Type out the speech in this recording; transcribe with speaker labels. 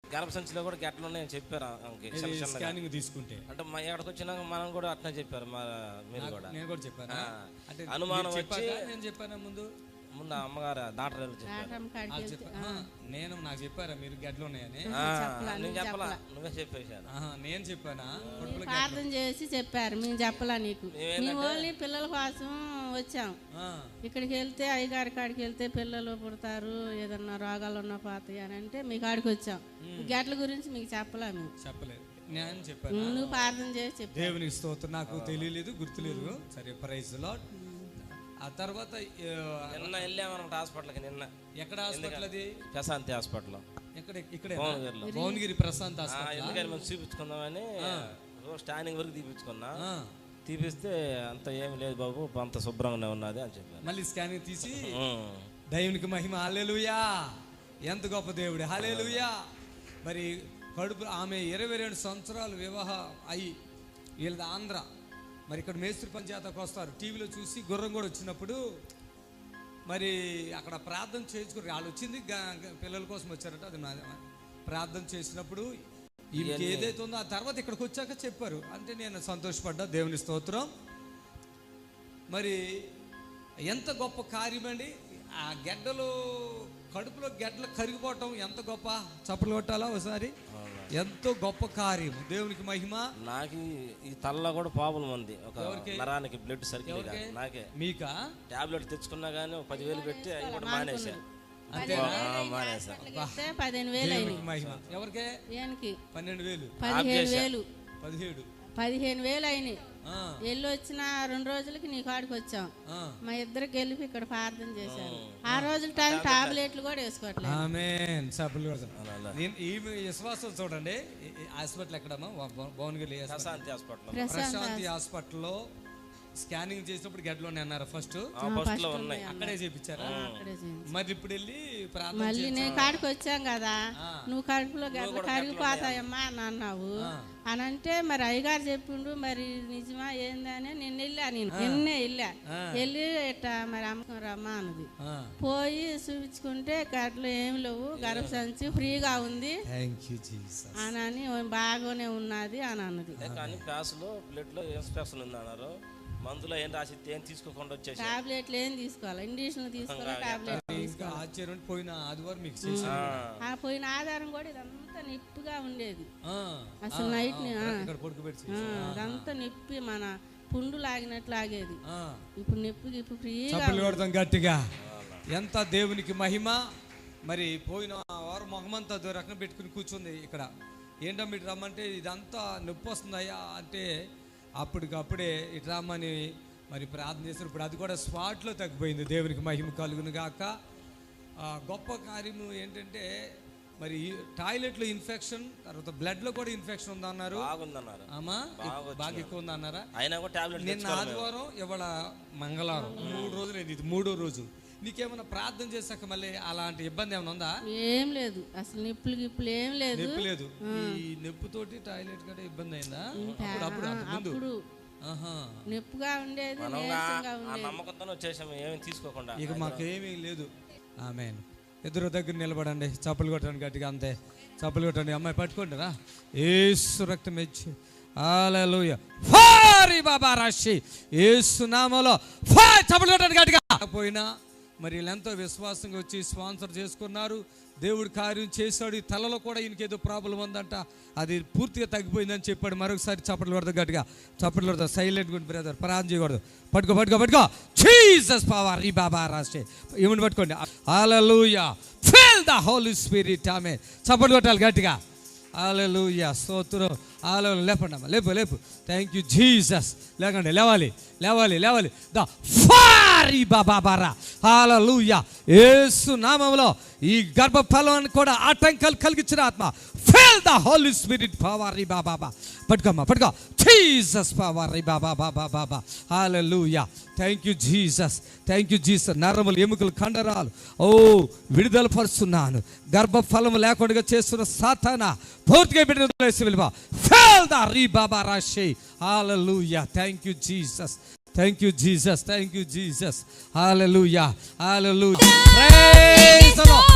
Speaker 1: గర్భసంచిలో కూడా గెట్లు ఉన్నాయని చెప్పారు.
Speaker 2: స్కానింగ్ తీసుకుంటే
Speaker 1: అంటే మా ఎక్కడికి వచ్చినాక మనం కూడా అట్లా చెప్పారు. మీరు కూడా
Speaker 2: నేను కూడా చెప్పాను. అంటే
Speaker 1: అనుమానం వచ్చి
Speaker 2: నేను చెప్పాను ముందు
Speaker 1: అమ్మగారు డాక్టర్
Speaker 2: నేను నాకు చెప్పారా మీరు గడ్డలు ఉన్నాయని?
Speaker 1: నేను చెప్పలా, నువ్వే చెప్పేశాను.
Speaker 2: నేను చెప్పానా?
Speaker 3: ప్రార్థన చేసి చెప్పారు, మేము చెప్పలా నీకు. మేము ఓన్లీ పిల్లల కోసం వచ్చాం. ఇక్కడికి వెళ్తే అయ్యగారి కాడికి వెళ్తే పిల్లలు పుడతారు, ఏదన్నా రోగాలు ఉన్నా పోతాయి అని అంటే మీ కాడికి వచ్చాం. గడ్ల గురించి మీకు చెప్పలా, మేము
Speaker 2: చెప్పలేదు. నేను చెప్పాను,
Speaker 3: నువ్వు ప్రార్థన చేసి చెప్పు.
Speaker 2: దేవునికి స్తోత్రం. నాకు తెలియలేదు, గుర్తులేదు. సరే, ప్రైజ్ లార్డ్. ఆ తర్వాత
Speaker 1: నిన్న వెళ్ళామన్నమాట హాస్పిటల్కి. నిన్న
Speaker 2: ఎక్కడ హాస్పిటల్? అది
Speaker 1: ప్రశాంతి హాస్పిటల్.
Speaker 2: ఇక్కడ భువనగిరి ప్రశాంత్ హాస్పిటల్.
Speaker 1: ఎందుకని మేము చూపించుకుందామని స్టాండింగ్ వరకు తీపించుకున్నా. తీపిస్తే అంత ఏమి లేదు బాబు, అంత శుభ్రంగానే ఉన్నది అని చెప్పారు.
Speaker 2: మళ్ళీ స్కానింగ్ తీసి దేవునికి మహిమ, హల్లెలూయా, ఎంత గొప్ప దేవుడు, హల్లెలూయా. మరి కడుపు ఆమె 22 సంవత్సరాలు వివాహం అయ్యి, వీళ్ళది ఆంధ్ర. మరి ఇక్కడ మేస్త్రి పంచాయతీకి వస్తారు. టీవీలో చూసి గుర్రం కూడా వచ్చినప్పుడు మరి అక్కడ ప్రార్థన చేసుకుని వాళ్ళు వచ్చింది పిల్లల కోసం వచ్చారట. అది ప్రార్థన చేసినప్పుడు వీళ్ళకి ఏదైతే ఉందో ఆ తర్వాత ఇక్కడికి వచ్చాక చెప్పారు. అంటే నేను సంతోషపడ్డా, దేవుని స్తోత్రం. మరి ఎంత గొప్ప కార్యమండి. ఆ గెడ్డలు కడుపులో గెడ్డలు కరిగిపోవటం ఎంత గొప్ప. చప్పలు కొట్టాలా ఒకసారి. ఎంతో గొప్ప కార్యం, దేవునికి మహిమ.
Speaker 1: నాకు ఈ తలలో కూడా ప్రాబ్లం ఉంది, ఒక నరానికి బ్లడ్ సర్కిల్. నాకే
Speaker 2: మీకా
Speaker 1: టాబ్లెట్ తెచ్చుకున్నా కానీ 10,000 పెట్టి అవి కూడా మానేసా.
Speaker 2: మహిమ. ఎవరికే? 12,000
Speaker 3: 15,000 అయినాయి. వెళ్ళి వచ్చిన 2 రోజులకి నీ కాడికి వచ్చాం. మా ఇద్దరికి వెళ్ళి ఇక్కడ ప్రార్థన చేశాను. ఆ రోజుల టైం టాబ్లెట్లు కూడా వేసుకోవట్లేదు.
Speaker 2: ఆమేన్. ఈ విశ్వాసం చూడండి. హాస్పిటల్ ఎక్కడమ్మా? భువనగిరి ప్రశాంతి హాస్పిటల్లో స్కానింగ్ చేసినప్పుడు గడ్డలోనే అన్నారు. ఫస్ట్ అక్కడే చేయించారా? మరి ఇప్పుడు వెళ్ళి
Speaker 3: మళ్ళీ నేను కాడికి వచ్చాం కదా, నువ్వు కడుపులో గడ్డలు కరిగిపోతాయమ్మా అని అన్నావు అని అంటే, మరి అయ్యగారు చెప్పిండు, మరి నిజమా ఏందని నిన్నే వెళ్ళి ఇట్టా మరి అమ్మకం రమ్మా అన్నది. పోయి చూపించుకుంటే గడ్డలు ఏం లేవు, గర్భసంచి ఫ్రీగా ఉంది అని బాగానే ఉన్నది అని అన్నది.
Speaker 1: మందులో ఏం రాసి ఏం తీసుకోకుండా వచ్చేసి
Speaker 3: టాబ్లెట్లు ఏం తీసుకోవాలి, ఇండిషన్ తీసుకోవాలి, టాబ్లెట్.
Speaker 2: ఆశ్చర్యం. పోయిన ఆదివారం మీకు
Speaker 3: పోయిన ఆధారం కూడా ఇదంతా నిప్పుగా ఉండేది. అసలు నైట్ ఇదంతా నిప్పి మన పుండు లాగినట్లు లాగేది. ఇప్పుడు నిప్పుకి ఇప్పుడు ఫ్రీగా
Speaker 2: గట్టిగా. ఎంత దేవునికి మహిమ. మరి పోయిన వారం మొహమంతా రకం పెట్టుకుని కూర్చుంది ఇక్కడ. ఏంటో మీరు రమ్మంటే ఇదంతా నొప్పి వస్తుందయ్యా అంటే అప్పటికప్పుడే ఇటు రమ్మని మరి ప్రార్థన చేస్తారు. ఇప్పుడు అది కూడా స్పాట్లో తగ్గిపోయింది. దేవునికి మహిమ కలుగును గాక. గొప్ప కార్యము ఏంటంటే మరి టాయిలెట్లో ఇన్ఫెక్షన్, తర్వాత బ్లడ్లో కూడా ఇన్ఫెక్షన్ ఉందన్నారు. బాగా ఎక్కువ ఉందన్నారా? నిన్న ఆదివారం, ఇవాళ మంగళవారం, 3 రోజులు అయింది. ఇది 3వ రోజు. నీకేమైనా ప్రార్థన చేశాక మళ్ళీ అలాంటి ఇబ్బంది ఏమైనా ఉందా?
Speaker 3: ఏం లేదు, అసలు నిప్పులు ఏం లేదు.
Speaker 2: నొప్పి లేదు. ఈ నొప్పితోటి టాయిలెట్ కూడా ఇబ్బంది అయిందా?
Speaker 3: అప్పుడు నొప్పిగా ఉండేది,
Speaker 1: తీసుకోకుండా.
Speaker 2: ఇక మాకేమీ లేదు. ఆమేన్. ఎదురు దగ్గర నిలబడండి, చప్పలు కొట్టండి గట్టిగా. అంతే, చప్పలు కొట్టండి. అమ్మాయి పట్టుకోండి రా. యేసు రక్తం ఇచ్చి హల్లెలూయా. ఫారి బాబా రాశి యేసు నామములో చప్పలు కొట్టండి గట్టిగా. పోయినా మరి వీళ్ళెంతో విశ్వాసంగా వచ్చి స్పాన్సర్ చేసుకున్నారు. దేవుడు కార్యం చేశాడు. ఈ తలలో కూడా ఈయనకేదో ప్రాబ్లం ఉందంట, అది పూర్తిగా తగ్గిపోయిందని చెప్పాడు. మరొకసారి చప్పట్లు కొడతాం గట్టిగా, చప్పట్లు కొడతాం. సైలెంట్ గుడ్ బ్రదర్, ప్రార్థన చేయకూడదు. పట్టుకో జీసస్ పవర్ ఈ బాబా రాష్ట్రే ఏమని పట్టుకోండి. Hallelujah. Feel the holy spirit. ఆమె చప్పట్లు కొట్టాలి గట్టిగా. హల్లెలూయా, స్తోత్రం. హల్లెలూయా. లేపండి అమ్మా, లేపు. Thank you Jesus. లేకండి, లేవాలి. ద ఫారి బాబారా. హల్లెలూయా. యేసు నామములో ఈ గర్భఫలాన్ని కూడా ఆటంకాలు కలిగించిన ఆత్మ, feel the holy spirit power ఈ బాబా. పట్టుకో జీసస్ పవర్ ఈ బాబా. హల్లెలూయా. Thank you Jesus. నరములు, ఎముకలు, కండరాలు విడుదల పరుస్తున్నాను. గర్భఫలం లేకుండా చేస్తున్న సాతానా పూర్తిగా బిడ్డను వెళ్ళిపో. ఫీల్ ద రీ బాబా రాశి. Hallelujah. Thank you Jesus. Hallelujah. Praise the Lord.